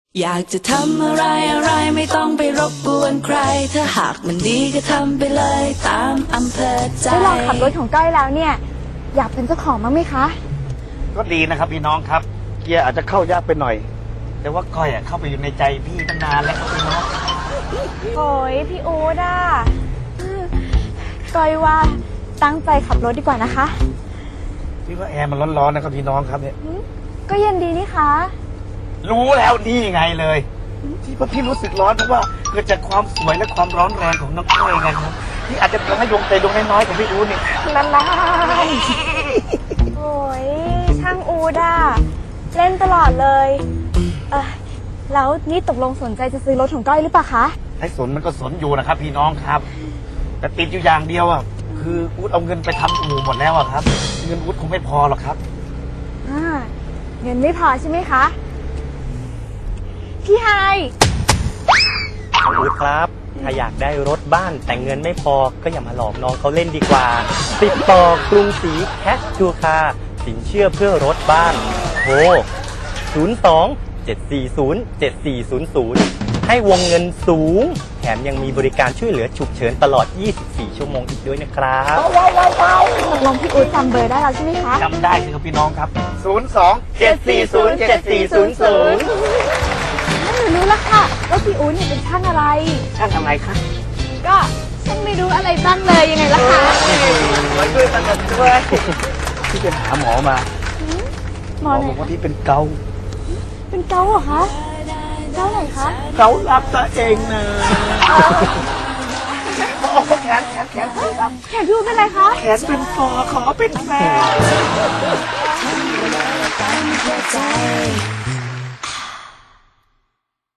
อยากจะทำอะไรอะไรไม่ต้องไปรบกวนใคร ถ้าหากมันดีก็ทำไปเลยตามอำเภอใจได้ลองขับรถของก้อยแล้วเนี่ยอยากเป็นเจ้าของมั้างไหมคะก็ดีนะครับพี่น้องครับ เกียร์อาจจะเข้ายากไปหน่อย แต่ว่าก้อยเข้าไปอยู่ในใจพี่ตั้งนานแล้วครับพี่น้องโอ้ยพี่อู๊ดอ่ะก้อยว่าตั้งใจขับรถดีกว่านะคะพี่ว่าแอร์มันร้อนๆนะครับพี่น้องครับเนี่ยก็เย็นดีนี่คะรู้แล้วนี่ไงเลย ที่ว่าพี่รู้สึกร้อนเพราะว่าเกิดจากความสวยและความร้อนแรงของน้องก้อยไงครับที่อาจจะทำให้ดวงใจดวงน้อยๆของพี่อู๊ดนี่ละลายโอ้ยช่างอู๊ดอ่ะเล่นตลอดเลยแล้วนี่ตกลงสนใจจะซื้อรถของก้อยหรือเปล่าคะไอ้สนมันก็สนอยู่นะครับ พี่น้องครับ แต่ติดอยู่อย่างเดียวอ่ะคืออู๊ดเอาเงินไปทำอู่หมดแล้วอ่ะครับ เงินอู๊ดคงไม่พอหรอกครับเงินไม่พอใช่ไหมคะพี่ไฮอู๊ดครับ ถ้าอยากได้รถบ้านแต่เงินไม่พอก็อย่ามาหลอกน้องเขาเล่นดีกว่า ติดต่อกรุงศรีแคชทูคาสินเชื่อเพื่อรถบ้านโทร02-740-7400 ให้วงเงินสูง แถมยังมีบริการช่วยเหลือฉุกเฉินตลอด 24 ชั่วโมงอีกด้วยนะครับตกลงพี่อู๊ดจำเบอร์ได้แล้วใช่ไหมคะจำได้สิครับพี่น้องครับ 02-740-7400 หนูรู้แล้วค่ะว่าพี่อู๊ดเนี่ยเป็นช่างอะไรช่างอะไรคะก็ช่างไม่รู้อะไรบ้างเลยยังไงล่ะคะมาช่วยตั้งแต่ด้วยพี่ไปหาหมอมาหมอไหนบอกคะว่าพี่เป็นเกาเป็นเกาเหรอคะเกาไหนคะเกาลับตัวเองนะโอ้แขนรับแขนพี่อู๊ดเป็นอะไรคะแขนเป็นฟอขอเป็นแฟนใจ